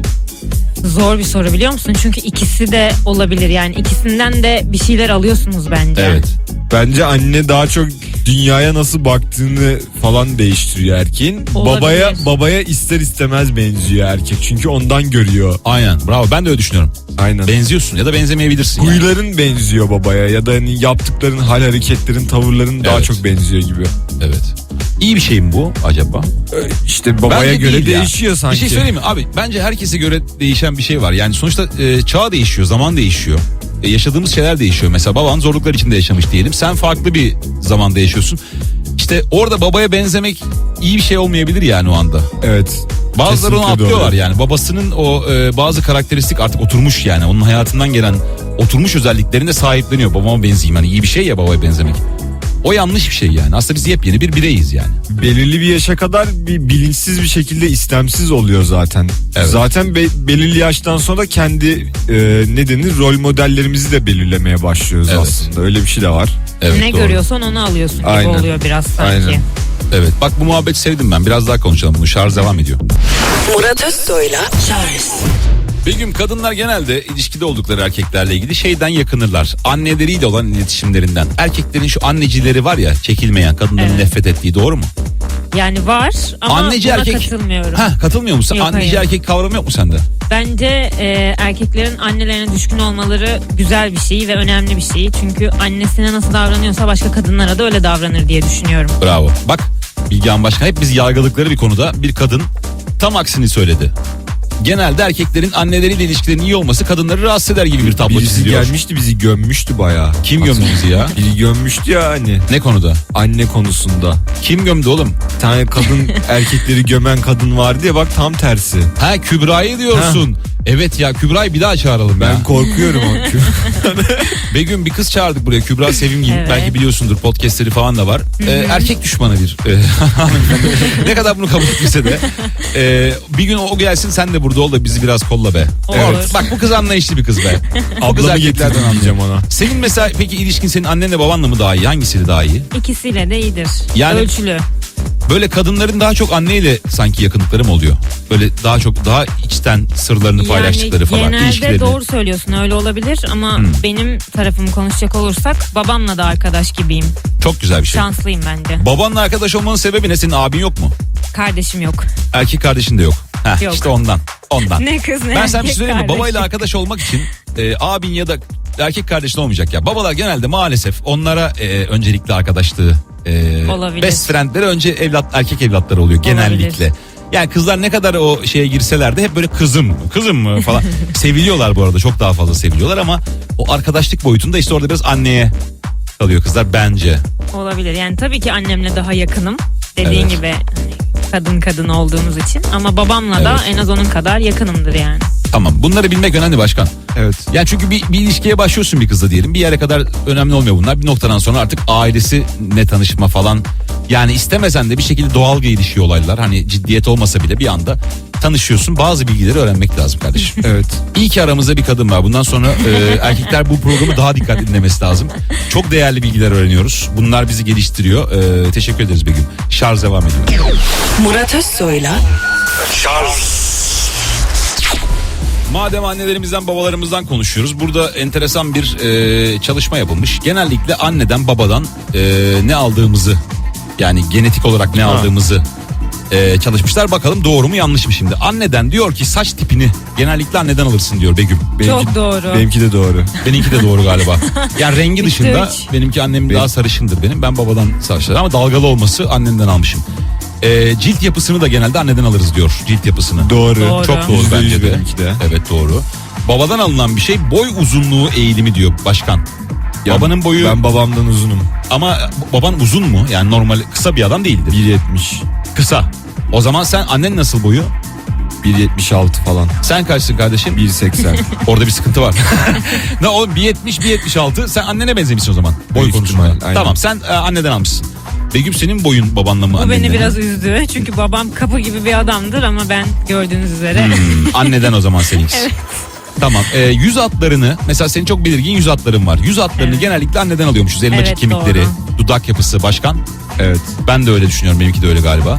Speaker 4: Zor bir soru, biliyor musun? Çünkü ikisi de olabilir, yani ikisinden de bir şeyler alıyorsunuz bence.
Speaker 2: Evet.
Speaker 3: Bence anne daha çok dünyaya nasıl baktığını falan değiştiriyor erkeğin.
Speaker 4: Olabilir.
Speaker 3: Babaya babaya ister istemez benziyor erkek. Çünkü ondan görüyor.
Speaker 2: Aynen, bravo, ben de öyle düşünüyorum.
Speaker 3: Aynen.
Speaker 2: Benziyorsun ya da benzemeyebilirsin yani.
Speaker 3: Huyların benziyor babaya ya da hani yaptıkların, hal hareketlerin, tavırların daha
Speaker 2: Evet.
Speaker 3: çok benziyor gibi.
Speaker 2: Evet. İyi bir şey mi bu acaba?
Speaker 3: Ee, İşte babaya
Speaker 2: Bence
Speaker 3: göre
Speaker 2: değil ya.
Speaker 3: değişiyor sanki.
Speaker 2: Bir şey söyleyeyim mi abi? Bence herkese göre değişen bir şey var. Yani sonuçta e, çağ değişiyor, zaman değişiyor. E, yaşadığımız şeyler değişiyor. Mesela baban zorluklar içinde yaşamış diyelim. Sen farklı bir zamanda yaşıyorsun. İşte orada babaya benzemek iyi bir şey olmayabilir yani o anda.
Speaker 3: Evet.
Speaker 2: Bazıları onu
Speaker 3: Kesinlikle
Speaker 2: atlıyorlar
Speaker 3: doğru.
Speaker 2: yani. Babasının o e, bazı karakteristik artık oturmuş yani. Onun hayatından gelen oturmuş özelliklerine sahipleniyor. Babama benzeyeyim. Hani iyi bir şey ya babaya benzemek. O yanlış bir şey yani. Aslında biz yepyeni bir bireyiz yani.
Speaker 3: Belirli bir yaşa kadar bir bilinçsiz bir şekilde istemsiz oluyor zaten.
Speaker 2: Evet.
Speaker 3: Zaten be- belirli yaştan sonra kendi e, ne denir rol modellerimizi de belirlemeye başlıyoruz
Speaker 2: Evet.
Speaker 3: aslında. Öyle bir şey de var.
Speaker 2: Evet,
Speaker 4: Ne
Speaker 2: doğru.
Speaker 4: görüyorsan onu alıyorsun gibi
Speaker 3: Aynen.
Speaker 4: oluyor biraz sanki.
Speaker 3: Aynen.
Speaker 2: Evet, bak bu muhabbeti sevdim ben. Biraz daha konuşalım bunu. Şarj devam ediyor.
Speaker 1: Murat Özsoy'la Charles
Speaker 2: Begüm, kadınlar genelde ilişkide oldukları erkeklerle ilgili şeyden yakınırlar. Anneleriyle olan iletişimlerinden. Erkeklerin şu annecileri var ya, çekilmeyen, kadınların
Speaker 4: Evet.
Speaker 2: nefret ettiği, doğru mu?
Speaker 4: Yani var ama
Speaker 2: Anneci
Speaker 4: buna
Speaker 2: erkek.
Speaker 4: katılmıyorum.
Speaker 2: Ha, katılmıyor musun?
Speaker 4: Yok,
Speaker 2: Anneci
Speaker 4: hayır.
Speaker 2: erkek kavramı yok mu sende?
Speaker 4: Bence e, erkeklerin annelerine düşkün olmaları güzel bir şey ve önemli bir şey. Çünkü annesine nasıl davranıyorsa başka kadınlara da öyle davranır diye düşünüyorum.
Speaker 2: Bravo. Bak, Bilgehan Başkan hep bizi yargıladıkları bir konuda bir kadın tam aksini söyledi. Genelde erkeklerin anneleriyle ilişkilerinin iyi olması kadınları rahatsız eder gibi bir tablo
Speaker 3: Birisi
Speaker 2: çiziliyor.
Speaker 3: gelmişti bizi gömmüştü bayağı.
Speaker 2: Kim gömdü bizi ya?
Speaker 3: Biri gömmüştü ya hani
Speaker 2: Ne konuda?
Speaker 3: anne konusunda.
Speaker 2: Kim gömdü oğlum?
Speaker 3: Bir tane kadın erkekleri gömen kadın vardı ya, bak tam tersi.
Speaker 2: Ha, Kübra'yı diyorsun. Evet ya, Kübra'yı bir daha çağıralım
Speaker 3: Ben
Speaker 2: ya.
Speaker 3: korkuyorum o.
Speaker 2: Begüm, bir kız çağırdık buraya, Kübra Sevimgin.
Speaker 4: Evet.
Speaker 2: Belki biliyorsundur, podcastleri falan da var. Ee, erkek düşmanı bir e, hanımefendi. Ne kadar bunu kabul etmese de. Ee, bir gün o gelsin, sen de burada ol da bizi biraz kolla be.
Speaker 4: Olur.
Speaker 2: Evet. Bak, bu kız anlayışlı bir kız be. O kız
Speaker 3: Ablamı
Speaker 2: erkeklerden
Speaker 3: getirdim
Speaker 2: anlıyor.
Speaker 3: diyeceğim ona.
Speaker 2: Senin mesela peki ilişkin senin annenle babanla mı daha iyi? Hangisiyle daha iyi?
Speaker 4: İkisiyle de iyidir.
Speaker 2: Yani-
Speaker 4: Ölçülü.
Speaker 2: Böyle kadınların daha çok anneyle sanki yakınlıkları mı oluyor? Böyle daha çok daha içten sırlarını paylaştıkları falan.
Speaker 4: Genelde
Speaker 2: ilişkilerini.
Speaker 4: doğru söylüyorsun, öyle olabilir ama
Speaker 2: Hmm.
Speaker 4: benim tarafımı konuşacak olursak babamla da arkadaş gibiyim.
Speaker 2: Çok güzel bir şey.
Speaker 4: Şanslıyım bence.
Speaker 2: Babanla arkadaş olmanın sebebi ne? Senin abin yok mu?
Speaker 4: Kardeşim yok.
Speaker 2: Erkek kardeşin de yok. Heh,
Speaker 4: Yok.
Speaker 2: İşte ondan. Ondan.
Speaker 4: Ne kız ne
Speaker 2: Ben sana bir şey
Speaker 4: erkek
Speaker 2: söyleyeyim mi?
Speaker 4: kardeşim.
Speaker 2: Babayla arkadaş olmak için e, abin ya da erkek kardeşin olmayacak ya. Babalar genelde maalesef onlara e, öncelikli arkadaşlığı e,
Speaker 4: Olabilir.
Speaker 2: best friendleri önce evlat erkek evlatları oluyor genellikle. Yani kızlar ne kadar o şeye girseler de hep böyle kızım mı kızım mı falan seviliyorlar bu arada, çok daha fazla seviliyorlar ama o arkadaşlık boyutunda işte orada biraz anneye kalıyor kızlar bence.
Speaker 4: Olabilir. Yani tabii ki annemle daha yakınım. Dediğin
Speaker 2: Evet.
Speaker 4: gibi hani kadın kadın olduğumuz için. Ama babamla da
Speaker 2: Evet.
Speaker 4: en az onun kadar yakınımdır yani.
Speaker 2: Tamam, bunları bilmek önemli başkan.
Speaker 3: Evet.
Speaker 2: Yani çünkü bir, bir ilişkiye başlıyorsun bir kızla diyelim. Bir yere kadar önemli olmuyor bunlar. Bir noktadan sonra artık ailesi ne tanışma falan. Yani istemesen de bir şekilde doğal gelişiyor olaylar. Hani ciddiyet olmasa bile bir anda tanışıyorsun. Bazı bilgileri öğrenmek lazım kardeşim.
Speaker 3: Evet.
Speaker 2: İyi ki aramızda bir kadın var. Bundan sonra e, erkekler bu programı daha dikkatli dinlemesi lazım. Çok değerli bilgiler öğreniyoruz. Bunlar bizi geliştiriyor. E, teşekkür ederiz Begüm. Şarj devam ediyor.
Speaker 1: Murat Özsoy'la
Speaker 2: Madem annelerimizden babalarımızdan konuşuyoruz, burada enteresan bir e, çalışma yapılmış. Genellikle anneden babadan e, ne aldığımızı, yani genetik olarak ne
Speaker 3: Ha.
Speaker 2: aldığımızı e, çalışmışlar. Bakalım doğru mu yanlış mı şimdi. Anneden diyor ki saç tipini genellikle anneden alırsın diyor Begüm.
Speaker 4: Çok doğru.
Speaker 3: Benimki de doğru.
Speaker 2: Benimki de doğru galiba. Yani rengi
Speaker 4: Üçte
Speaker 2: dışında
Speaker 4: üç.
Speaker 2: benimki annemin
Speaker 3: Benim-
Speaker 2: daha sarışındır benim. Ben babadan saçları ama dalgalı olması annemden almışım. E, cilt yapısını da genelde anneden alırız diyor, cilt yapısını.
Speaker 3: Doğru.
Speaker 4: Doğru.
Speaker 2: Çok doğru
Speaker 3: Yüzde yüz
Speaker 2: bence de.
Speaker 3: benimki de.
Speaker 2: Evet doğru. Babadan alınan bir şey boy uzunluğu eğilimi diyor başkan.
Speaker 3: Ya
Speaker 2: Babanın boyu
Speaker 3: Ben babamdan uzunum.
Speaker 2: ama baban uzun mu? Yani normal kısa bir adam değildir.
Speaker 3: bir yetmiş.
Speaker 2: Kısa. O zaman sen annen nasıl boyu?
Speaker 3: bir yetmiş altı falan.
Speaker 2: Sen kaçsın kardeşim?
Speaker 3: bir seksen.
Speaker 2: Orada bir sıkıntı var. Ne oğlum bir yetmiş bir yetmiş altı sen annene benzemişsin o zaman. Boy
Speaker 3: Büyük
Speaker 2: konusunda.
Speaker 3: ihtimal, aynen.
Speaker 2: Tamam sen e, anneden almışsın. Begüm senin boyun babanla mı
Speaker 4: Bu
Speaker 2: annenden
Speaker 4: beni
Speaker 2: mi?
Speaker 4: biraz üzdü. Çünkü babam kapı gibi bir adamdır ama ben gördüğünüz üzere.
Speaker 2: Hmm, anneden o zaman seninkisi. Evet. Tamam. E, yüz hatlarını mesela senin çok belirgin yüz hatların var. Yüz hatlarını
Speaker 4: Evet.
Speaker 2: genellikle anneden alıyormuşuz. Elmacık
Speaker 4: Evet,
Speaker 2: kemikleri,
Speaker 4: doğru.
Speaker 2: dudak yapısı başkan.
Speaker 3: Evet.
Speaker 2: Ben de öyle düşünüyorum. Benimki de öyle galiba.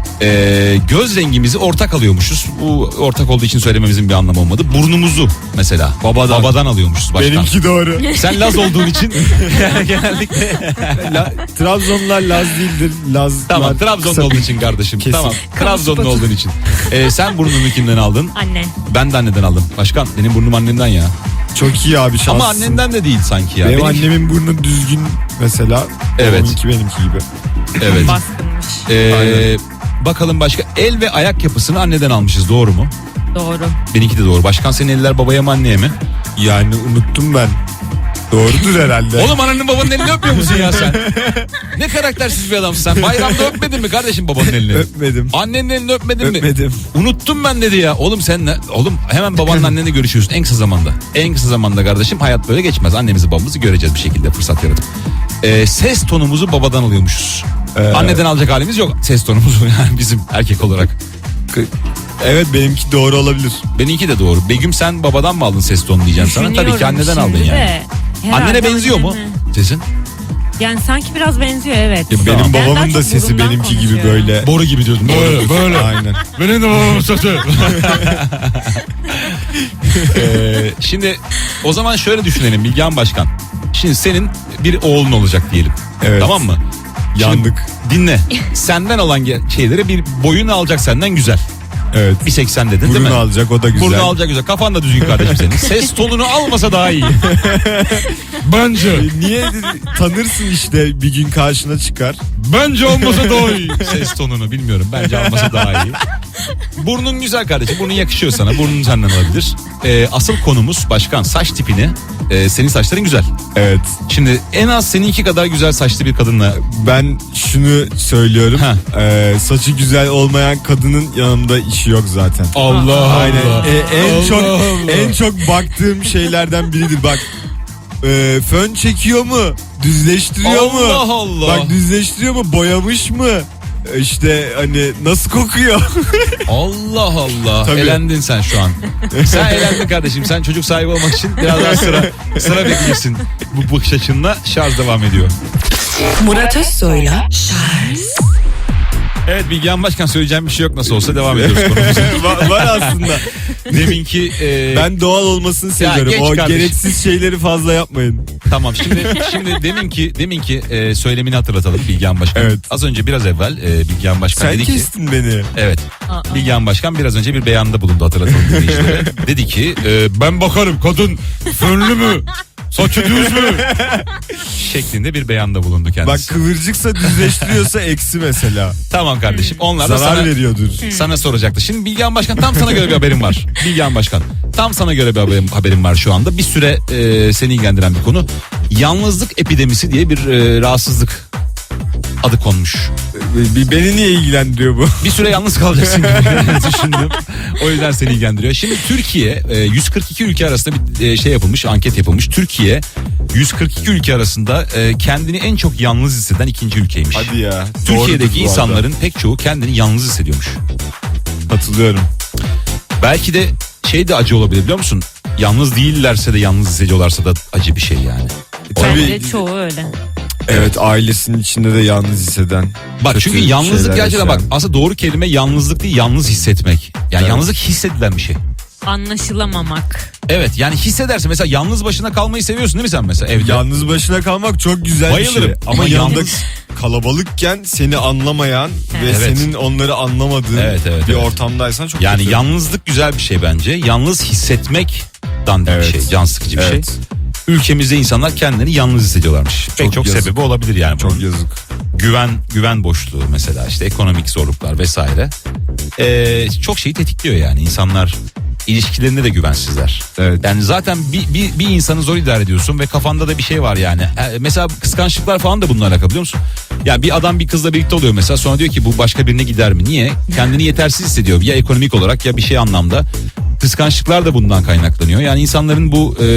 Speaker 2: E, göz rengimizi ortak alıyormuşuz. Bu ortak olduğu için söylememizin bir anlamı olmadı. Burnumuzu mesela babadan, babadan alıyormuşuz başkan.
Speaker 3: Benimki doğru.
Speaker 2: Sen Laz olduğun için yani genellikle
Speaker 3: La, Trabzonlular Laz değildir. Laz.
Speaker 2: tamam Trabzonlu olduğun için kardeşim.
Speaker 3: Kesin.
Speaker 2: Tamam Trabzonlu olduğun için. E, sen burnunu kimden aldın?
Speaker 4: Anne.
Speaker 2: Ben de anneden aldım. Başkan benim burnum annemden ya.
Speaker 3: Çok iyi abi şanslısın.
Speaker 2: Ama annenden de değil sanki ya.
Speaker 3: Benim
Speaker 2: Benimki-
Speaker 3: annemin burnu düzgün mesela.
Speaker 2: Evet.
Speaker 3: Onunki benimki gibi.
Speaker 2: Evet.
Speaker 4: Baskınmış.
Speaker 2: Ee,
Speaker 3: Aynen.
Speaker 2: bakalım başka el ve ayak yapısını anneden almışız, doğru mu?
Speaker 4: Doğru.
Speaker 2: Benimki de doğru. Başkan senin eller babaya mı anneye mi?
Speaker 3: Yani unuttum ben. Doğrudur herhalde.
Speaker 2: Oğlum ananın babanın elini öpmüyor musun ya sen? Ne karaktersiz bir adamsın sen. Bayramda öpmedin mi kardeşim babanın elini?
Speaker 3: Öpmedim.
Speaker 2: Annenin elini öpmedin mi?
Speaker 3: Öpmedim.
Speaker 2: Unuttum ben dedi ya. Oğlum sen ne? Oğlum hemen babanla annenle görüşüyorsun en kısa zamanda. En kısa zamanda kardeşim, hayat böyle geçmez. Annemizi babamızı göreceğiz bir şekilde fırsat yaratıp. Ee, ses tonumuzu babadan alıyormuşuz.
Speaker 3: Ee,
Speaker 2: Anneden alacak halimiz yok ses tonumuzu yani bizim erkek olarak.
Speaker 3: Evet benimki doğru olabilir.
Speaker 2: Benimki de doğru. Begüm sen babadan mı aldın ses tonunu diyeceğim sana. Tabii ki
Speaker 4: Düşünüyorum
Speaker 2: anneden
Speaker 4: şimdi
Speaker 2: aldın yani.
Speaker 4: de. Herhalde
Speaker 2: Annene benziyor mu
Speaker 4: anneme.
Speaker 2: sesin?
Speaker 4: Yani sanki biraz benziyor, evet.
Speaker 3: Ya benim
Speaker 2: Tamam.
Speaker 4: Ben daha
Speaker 3: babamın da
Speaker 4: çok
Speaker 3: sesi
Speaker 4: burundan
Speaker 3: benimki gibi
Speaker 4: konuşuyorum.
Speaker 3: böyle.
Speaker 2: Boru gibi diyordum.
Speaker 3: Böyle böyle. Aynen.
Speaker 2: Benim de babamın sesi. ee, şimdi o zaman şöyle düşünelim Bilgehan Başkan. Şimdi senin bir oğlun olacak diyelim.
Speaker 3: Evet.
Speaker 2: Tamam mı? Şimdi
Speaker 3: Yandık.
Speaker 2: dinle. Senden olan ge- şeyleri bir boyunu alacak senden güzel.
Speaker 3: Evet.
Speaker 2: bir seksen dedin değil
Speaker 3: Burnu
Speaker 2: mi?
Speaker 3: alacak o da güzel.
Speaker 2: Burnu alacak güzel. Kafan da düzgün kardeşim senin. Ses tonunu almasa daha iyi. Bence.
Speaker 3: E, Niye tanırsın işte bir gün karşına çıkar.
Speaker 2: Bence olmasa daha iyi. Ses tonunu bilmiyorum. Bence almasa daha iyi. Burnun güzel kardeşim. Burnun yakışıyor sana. Burnun senden alabilir. Ee, asıl konumuz başkan saç tipini. Ee, senin saçların güzel.
Speaker 3: Evet.
Speaker 2: Şimdi en az seninki kadar güzel saçlı bir kadınla.
Speaker 3: Ben şunu söylüyorum.
Speaker 2: Ha.
Speaker 3: E, saçı güzel olmayan kadının yanımda işi yok zaten.
Speaker 2: Allah
Speaker 3: Aynen.
Speaker 2: Allah.
Speaker 3: E, en
Speaker 2: Allah
Speaker 3: çok
Speaker 2: Allah.
Speaker 3: en çok baktığım şeylerden biridir. Bak e, fön çekiyor mu? Düzleştiriyor mu?
Speaker 2: Allah Allah.
Speaker 3: Bak düzleştiriyor mu? Boyamış mı? E, İşte hani nasıl kokuyor?
Speaker 2: Allah Allah.
Speaker 3: Tabii.
Speaker 2: Elendin sen şu an. Sen elendin kardeşim. Sen çocuk sahibi olmak için biraz daha sıra sıra bekleyeceksin. Bu bakış açınla şarj devam ediyor.
Speaker 1: Murat Özsoy'la Charles
Speaker 2: Evet Bilgehan Başkan, söyleyeceğim bir şey yok, nasıl olsa devam ediyoruz konumuza.
Speaker 3: var, var aslında.
Speaker 2: Deminki e,
Speaker 3: Ben doğal olmasını seviyorum.
Speaker 2: geç
Speaker 3: O
Speaker 2: kardeşim.
Speaker 3: gereksiz şeyleri fazla yapmayın.
Speaker 2: tamam şimdi şimdi deminki deminki e, söylemini hatırlatalım Bilgehan Başkan.
Speaker 3: Evet.
Speaker 2: Az önce biraz evvel e, Bilgehan Başkan
Speaker 3: Sen
Speaker 2: dedi ki
Speaker 3: kestin beni.
Speaker 2: evet.
Speaker 4: Aa.
Speaker 2: Bilgehan Başkan biraz önce bir beyanda bulundu, hatırlatalım dinleyicilere. Dedi ki e, ben bakarım kadın fönlü mü? Saçı düz mü? Şeklinde bir beyanda bulundu
Speaker 3: Bak
Speaker 2: kendisi.
Speaker 3: kıvırcıksa düzleştiriyorsa eksi mesela.
Speaker 2: Tamam kardeşim. Onlar da
Speaker 3: Zarar
Speaker 2: sana,
Speaker 3: veriyordur.
Speaker 2: sana soracaktı. Şimdi Bilgehan Başkan, tam sana göre bir haberim var. Bilgehan Başkan, tam sana göre bir haberim, haberim var şu anda. Bir süre e, seni ilgilendiren bir konu. Yalnızlık epidemisi diye bir e, rahatsızlık adı konmuş.
Speaker 3: Bir beni niye ilgilendiriyor bu?
Speaker 2: Bir süre yalnız kalacaksın gibi düşündüm. O yüzden seni ilgilendiriyor. Şimdi Türkiye e, yüz kırk iki ülke arasında bir e, şey yapılmış, anket yapılmış. Türkiye yüz kırk iki ülke arasında e, kendini en çok yalnız hisseden ikinci ülkeymiş.
Speaker 3: Hadi ya.
Speaker 2: Türkiye'deki
Speaker 3: Doğrudur bu arada.
Speaker 2: insanların pek çoğu kendini yalnız hissediyormuş.
Speaker 3: Katılıyorum.
Speaker 2: Belki de şey de acı olabilir, biliyor musun? Yalnız değillerse de yalnız hissediyorlarsa da acı bir şey yani.
Speaker 4: Bence çoğu öyle.
Speaker 3: Evet, ailesinin içinde de yalnız hisseden.
Speaker 2: Bak
Speaker 3: kötü
Speaker 2: çünkü yalnızlık
Speaker 3: şeyler
Speaker 2: gerçekten bak
Speaker 3: yaşayan.
Speaker 2: aslında doğru kelime yalnızlık değil, yalnız hissetmek. Yani
Speaker 3: Evet.
Speaker 2: yalnızlık hissedilen bir şey.
Speaker 4: Anlaşılamamak.
Speaker 2: Evet yani hissedersin, mesela yalnız başına kalmayı seviyorsun değil mi sen mesela evde?
Speaker 3: Yalnız başına kalmak çok güzel
Speaker 2: Bayılırım.
Speaker 3: bir şey. Ama,
Speaker 2: Ama
Speaker 3: yanında
Speaker 2: yalnız-
Speaker 3: kalabalıkken seni anlamayan ve
Speaker 2: Evet.
Speaker 3: senin onları anlamadığın
Speaker 2: Evet, evet,
Speaker 3: bir
Speaker 2: evet.
Speaker 3: ortamdaysan çok
Speaker 2: Yani
Speaker 3: kötü.
Speaker 2: yalnızlık güzel bir şey bence. Yalnız hissetmek dandik
Speaker 3: Evet.
Speaker 2: bir şey, can sıkıcı bir
Speaker 3: Evet.
Speaker 2: şey. Ülkemizde insanlar kendini yalnız hissediyorlarmış. Pek
Speaker 3: Çok
Speaker 2: çok
Speaker 3: yazık.
Speaker 2: sebebi olabilir yani.
Speaker 3: Çok
Speaker 2: bunun.
Speaker 3: yazık.
Speaker 2: Güven güven boşluğu mesela, işte ekonomik zorluklar vesaire. Ee, çok şeyi tetikliyor yani. İnsanlar ilişkilerinde de güvensizler.
Speaker 3: Evet.
Speaker 2: Yani zaten bir, bir, bir insanı zor idare ediyorsun ve kafanda da bir şey var yani. Ee, mesela kıskançlıklar falan da bununla alakalı, biliyor musun? Ya bir adam bir kızla birlikte oluyor mesela, sonra diyor ki bu başka birine gider mi? Niye? Kendini yetersiz hissediyor. Ya ekonomik olarak ya bir şey anlamda. Kıskançlıklar da bundan kaynaklanıyor. Yani insanların bu e,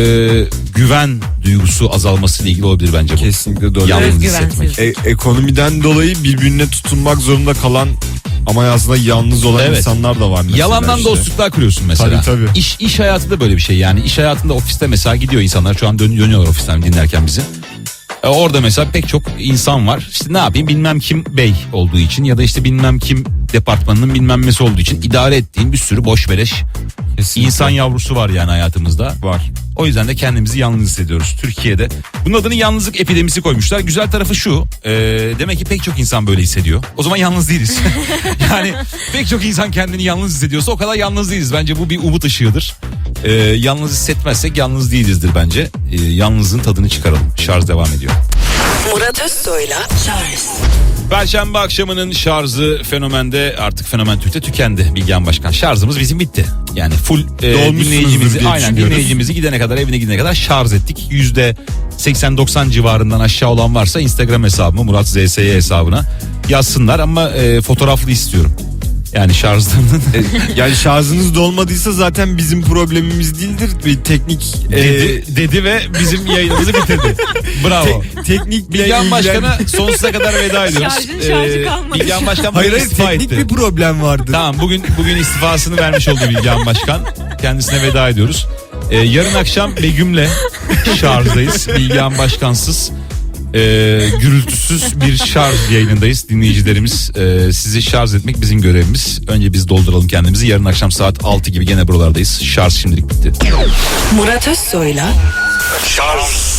Speaker 2: güven duygusu azalması ile ilgili olabilir bence bu.
Speaker 3: Kesinlikle doğru.
Speaker 2: Yalnız
Speaker 4: Özgüvensiz.
Speaker 2: hissetmek.
Speaker 3: E- ekonomiden dolayı birbirine tutunmak zorunda kalan ama aslında yalnız olan
Speaker 2: Evet.
Speaker 3: insanlar da var mesela.
Speaker 2: Yalandan
Speaker 3: işte.
Speaker 2: dostluklar kuruyorsun mesela.
Speaker 3: Tabii, tabii.
Speaker 2: İş, iş hayatı da böyle bir şey yani. İş hayatında ofiste mesela gidiyor insanlar, şu an dön- dönüyorlar ofisten dinlerken bizi. E, orada mesela pek çok insan var. İşte ne yapayım, bilmem kim bey olduğu için ya da işte bilmem kim departmanının bilmem nesi olduğu için idare ettiğim bir sürü boş beleş
Speaker 3: Kesinlikle.
Speaker 2: insan yavrusu var yani hayatımızda.
Speaker 3: var.
Speaker 2: O yüzden de kendimizi yalnız hissediyoruz Türkiye'de. Bunun adını yalnızlık epidemisi koymuşlar. Güzel tarafı şu. E, demek ki pek çok insan böyle hissediyor. O zaman yalnız değiliz. Yani pek çok insan kendini yalnız hissediyorsa o kadar yalnız değiliz. Bence bu bir umut ışığıdır. E, yalnız hissetmezsek yalnız değilizdir bence. E, yalnızlığın tadını çıkaralım. Şarj devam ediyor.
Speaker 1: Murat Özsoy'la Charles
Speaker 2: Perşembe akşamının şarjı Fenomen'de, artık Fenomen Türk'te tükendi Bilgehan Başkan. Şarjımız bizim bitti. Yani full e,
Speaker 3: Dolmuşsunuzdur
Speaker 2: dinleyicimizi,
Speaker 3: diye
Speaker 2: aynen
Speaker 3: düşünüyoruz.
Speaker 2: dinleyicimizi gidene kadar, evine gidene kadar şarj ettik. Yüzde seksen doksan civarından aşağı olan varsa Instagram hesabıma, Murat Z S Y hesabına yazsınlar ama e, fotoğraflı istiyorum. Yani şarjlarının
Speaker 3: Yani şarjınız dolmadıysa zaten bizim problemimiz değildir. Bir teknik e,
Speaker 2: dedi, dedi ve bizim yayınımızı bitirdi. Bravo.
Speaker 3: te- teknik
Speaker 2: Bilgehan
Speaker 3: ilgilen-
Speaker 2: Başkan'a sonsuza kadar veda ediyoruz.
Speaker 4: Şarjın şarjı kalmadı.
Speaker 2: Bilgehan Başkan
Speaker 3: Hayır
Speaker 2: bugün
Speaker 3: hayır,
Speaker 2: istifa
Speaker 3: teknik
Speaker 2: etti.
Speaker 3: bir problem vardı.
Speaker 2: Tamam, bugün bugün istifasını vermiş oldu Bilgehan Başkan. Kendisine veda ediyoruz. Ee, yarın akşam Begüm'le şarjdayız. Bilgehan Başkansız, e, gürültüsüz bir şarj yayınındayız. Dinleyicilerimiz, e, sizi şarj etmek bizim görevimiz. Önce biz dolduralım kendimizi. Yarın akşam saat altı gibi gene buralardayız. Şarj şimdilik bitti.
Speaker 1: Murat Özsoy'la
Speaker 5: Şarj